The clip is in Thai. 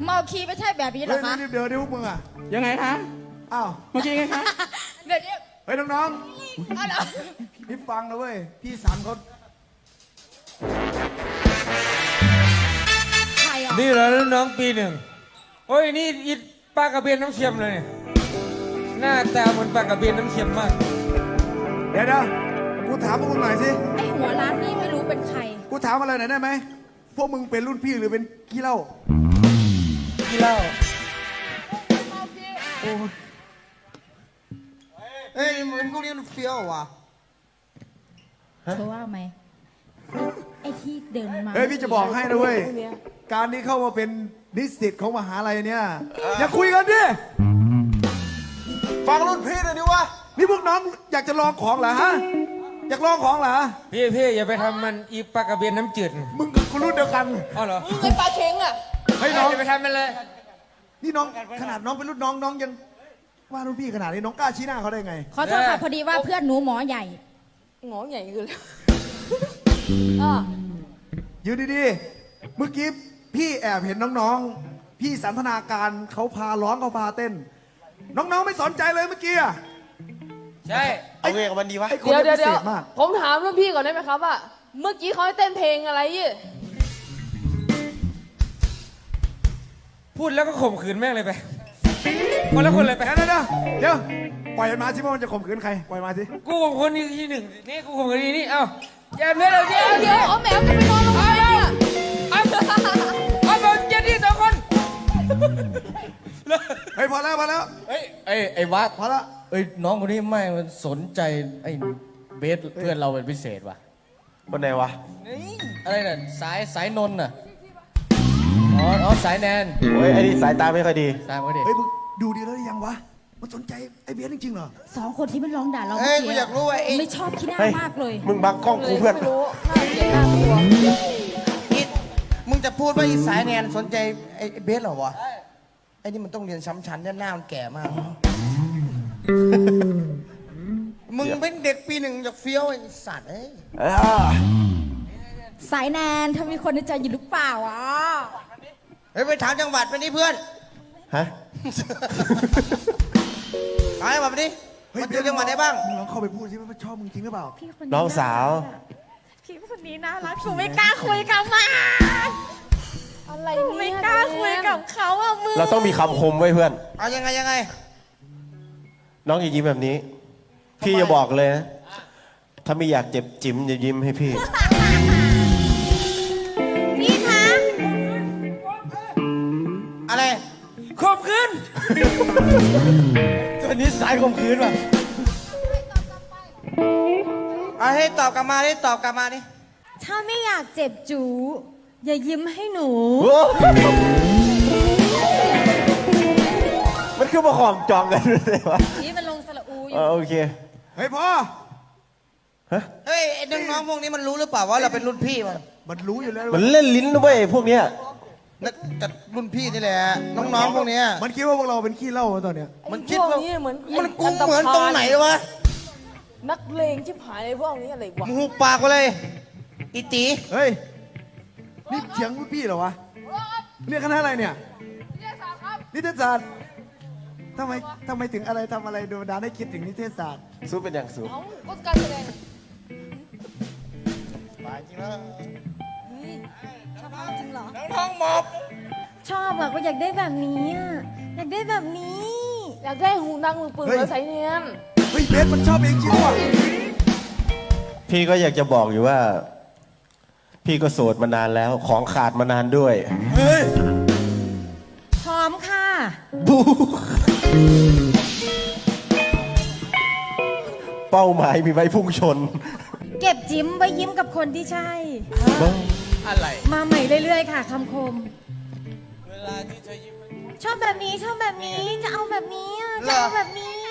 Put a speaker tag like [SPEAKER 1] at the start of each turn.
[SPEAKER 1] เมาคีไม่ใช่แบบนี้หรอคะ
[SPEAKER 2] เดี๋ยวพวกมึงอ่ะ
[SPEAKER 3] ยังไงคะ
[SPEAKER 2] อ้าว
[SPEAKER 3] เมื่อกี้ไงคะ
[SPEAKER 1] เดี๋ยว
[SPEAKER 2] เฮ้ยน้อง
[SPEAKER 1] เอาเหรอ
[SPEAKER 2] ๆพี่ฟังนะเว้ยพี่สันเขา
[SPEAKER 1] ใครอ่ะ
[SPEAKER 4] นี่เหรอน้องปีหนึ่งโอ้ยนี่อีปลากระเบนน้ำเค็มเลยเนี่ยหน้าตาเหมือนปลากระเบนน้ำเค็มมาก
[SPEAKER 2] เดี๋ยวกูถามพวกมึงหน่อยสิ
[SPEAKER 1] ไอหัวร้านนี่ไม่รู้เป็นใคร
[SPEAKER 2] กูถามอะไรหน่อยได้ไหมพวกมึงเป็นรุ่นพี่หรือเป็นขี้เหล้า
[SPEAKER 4] กี่เหล้า
[SPEAKER 5] เอ้ยมันพวกนี้มันเฟี้ยวว่ะ
[SPEAKER 1] เธอว่าไหมไอที่เดินมา
[SPEAKER 2] เฮ้ยพี่จะบอกให้นะเว้ยการที่เข้ามาเป็นนิสิตของมหาลัยเนี่ยอย่าคุยกันดิ
[SPEAKER 5] ฟังรุ่นพี่หน่อยดิวะ
[SPEAKER 2] นี่พวกน้องอยากจะลองของเหรอฮะอยากลองของเหรอ
[SPEAKER 4] พี่อย่าไปทำมันอีปลากระเบนน้ำจืด
[SPEAKER 2] มึงกับกูรุ่นเดียวกัน
[SPEAKER 4] อ๋อเหรอ
[SPEAKER 1] ไอปลาเค็งอ่ะ
[SPEAKER 2] เฮ้ยน้อง
[SPEAKER 4] อย่าไปทำมันเลย
[SPEAKER 2] นี่น้องขนาดน้องเป็นรุ่นน้องน้องยังว่ารุ่นพี่ขนาดนี้น้องกล้าชี้หน้าเขาได้ไง
[SPEAKER 1] ขอโทษค่ะพอดีว่าเพื่อนหนูหมอใหญ่
[SPEAKER 6] หงอใหญ่คือเลย
[SPEAKER 2] ยืนดีๆเมื่อกี้พี่แอบเห็นน้องๆพี่สันทนาการเขาพาร้องเขาพาเต้น น้องๆไม่สนใจเลยเมื่อกี้อะ
[SPEAKER 4] ใช่
[SPEAKER 5] เอาเงกับมันดีวะ
[SPEAKER 2] ไอ้คน
[SPEAKER 6] เดี๋ยว
[SPEAKER 2] นี้พิ
[SPEAKER 6] เดี๋
[SPEAKER 2] เศ
[SPEAKER 6] ยว
[SPEAKER 2] ษมาก
[SPEAKER 6] ผมถามรุ่นพี่ก่อนได้ไหมครับว่าเมื่อกี้เขาให้เต้นเพลงอะไรยี่
[SPEAKER 4] พูดแล้วก็ข่มขืนแม่งเลยไปคนละคนเลยไป
[SPEAKER 2] เดี๋ยวปล่อยมันมาสิว่ามันจะข่มขืนใครปล่อยมาสิ
[SPEAKER 4] กูข่มขืนที่หนึ่งนี่กูข่มขืนที่นี่เอ้าอย่าเนื้อเราเดี๋ยว
[SPEAKER 6] เดี๋ยวเอาแหมวจะไปนอนโรงพยาบาลเนี่ย
[SPEAKER 4] เอาแบบเจ็ดที่สองคน
[SPEAKER 2] เฮ้ยพอแล้ว
[SPEAKER 5] ไอ้วัด
[SPEAKER 2] พอแล้ว
[SPEAKER 5] เอ้ยน้องคนนี้ไม่มันสนใจไอ้เบสเพื่อนเราเป็นพิเศษว่ะคนไหนวะอะไรน่ะสายนนท์น่ะอ๋อสายแนน
[SPEAKER 7] โอ้ยไอ้นี่สายตาไม่ค่อยดี
[SPEAKER 5] สายไม่ดี
[SPEAKER 2] เฮ้ยมึงดูดีแล้วหรือยังวะมันสนใจไอ้เบียร์จริงๆเหรอ
[SPEAKER 1] สองคนที่มันร้องด่าเรา
[SPEAKER 5] เอ้
[SPEAKER 1] เมื่
[SPEAKER 5] ย
[SPEAKER 1] อกี้
[SPEAKER 5] กูอยากรู้ว่าไอ้
[SPEAKER 1] ไม่ชอบขี้หน้า
[SPEAKER 7] เฮ้ย
[SPEAKER 1] มากเลย
[SPEAKER 7] มึงบังกล้องกูเพื่อน
[SPEAKER 6] ไม่รู้น่าเกลียดน่ากลัว
[SPEAKER 5] อิดมึงจะพูดว่าอีสายแนนสนใจไอ้เบสเหรอวะไอ้นี่มันต้องเรียนช้ำชั้นเนี่ยหน้ามันแก่มาก มึงเป็นเด็กปีหนึ่งจะเฟี้ยวไอ้สัตว์เอ้ย
[SPEAKER 1] สายแนนถ้ามีคนในใจอยู่หรือเปล่าอ่ะ
[SPEAKER 5] เฮ้ยไปถามจังหวัดไปนี่เพื่อน
[SPEAKER 7] ฮะ
[SPEAKER 5] ถามจังหวัดไปนี่
[SPEAKER 2] เฮ้ย
[SPEAKER 5] มันอยู่จังหวัดไหนบ้าง
[SPEAKER 2] มึงลองเข้าไปพูดสิว่ามันชอบมึงจริงหรือเปล่า
[SPEAKER 1] พี่คน
[SPEAKER 7] น้องสาว
[SPEAKER 1] พี่คนนี้น่ารักหนูไม่กล้าคุยกับมัน
[SPEAKER 6] อะไร
[SPEAKER 1] หนู
[SPEAKER 6] เนี่
[SPEAKER 1] ไม่
[SPEAKER 6] ย
[SPEAKER 1] กล้าคุยกับเขาอ่ะมึง
[SPEAKER 7] เราต้องมีคำคมไว้เพื่อน
[SPEAKER 5] เอายังไง
[SPEAKER 7] น้องอย่ายิ้มแบบนี้ พี่จะบอกเลยนะ ถ้าไม่อยากเจ็บจิ๋มอย่ายิ้มให้พี่
[SPEAKER 1] พี่คะ
[SPEAKER 5] อะไร
[SPEAKER 4] ข่มขืน
[SPEAKER 5] ตัวนี้สายข่มขืนว่ะเอาให้ตอบกลับมาดิตอบกลับมาดิ
[SPEAKER 1] ถ้าไม่อยากเจ็บจูอย่ายิ้มให้หนู
[SPEAKER 7] มันคือมาขอมจองกันเลยวะ
[SPEAKER 1] นี่มันลงสระอูอยู่
[SPEAKER 7] โอเค
[SPEAKER 2] เฮ้ยพ่อ
[SPEAKER 5] เฮ้ยไอ้น้องๆพวกนี้มันรู้หรือเปล่าว่าเราเป็นรุ่นพี่มัน
[SPEAKER 2] มันรู้อยู่แล้ว
[SPEAKER 7] มันเล่นลิ้นด้วยพวกเนี้ย
[SPEAKER 5] แต่รุ่นพี่นี่แหละน้องๆพวกเนี้ย
[SPEAKER 2] มันคิดว่าพวกเราเป็นขี้เหล้าตอนเนี้ย
[SPEAKER 5] มัน
[SPEAKER 6] พ
[SPEAKER 5] คิด
[SPEAKER 6] วก
[SPEAKER 5] ว่า
[SPEAKER 6] นี้เหมือน
[SPEAKER 5] มันกูเหมือนตรงไหนวะ
[SPEAKER 6] นักเลงชิบหายเลยพวกนี้อะไรวะ
[SPEAKER 5] มึงหุบปากไปเลยอีตี
[SPEAKER 2] เฮ้ยนี่เถียงรุ่นพี่เหรอวะเรียกคณะอะไรเนี่ยนิเทศศาสตร์ทำไมถึงอะไรทำอะไรโดนดานให้คิดถึงนิเทศศาสตร์
[SPEAKER 7] สู้เป็นอย่างสูง
[SPEAKER 6] เอ้าก็การแสดง
[SPEAKER 5] จริงแล้ว
[SPEAKER 1] ชอบจริงเหรอ
[SPEAKER 5] น้องหมอบ
[SPEAKER 1] ชอบอะก็อยากได้แบบนี้อะอยากได้แบบนี้
[SPEAKER 6] อยากได้หูดังมือปืนแล้วใส่เนียน
[SPEAKER 2] เฮ้ยเบสมันชอบเองจริงว่ะ
[SPEAKER 7] พี่ก็อยากจะบอกอยู่ว่า พี่ก็โสดมานานแล้ว ของขาดมานานด้วย
[SPEAKER 2] เฮ้ย
[SPEAKER 1] พร้อมค่ะ
[SPEAKER 7] บูเป้าหมายมีไว้พุ่งชน
[SPEAKER 1] เก็บจิ้มไว้ยิ้มกับคนที่ใช่
[SPEAKER 5] อะไร
[SPEAKER 1] มาใหม่เรื่อยๆค่ะคำคม
[SPEAKER 5] เวลาที่เธอยิ้ม
[SPEAKER 1] ชอบแบบนี้ชอบแบบนี้จะเอาแบบนี้อะจะเอาแบบนี้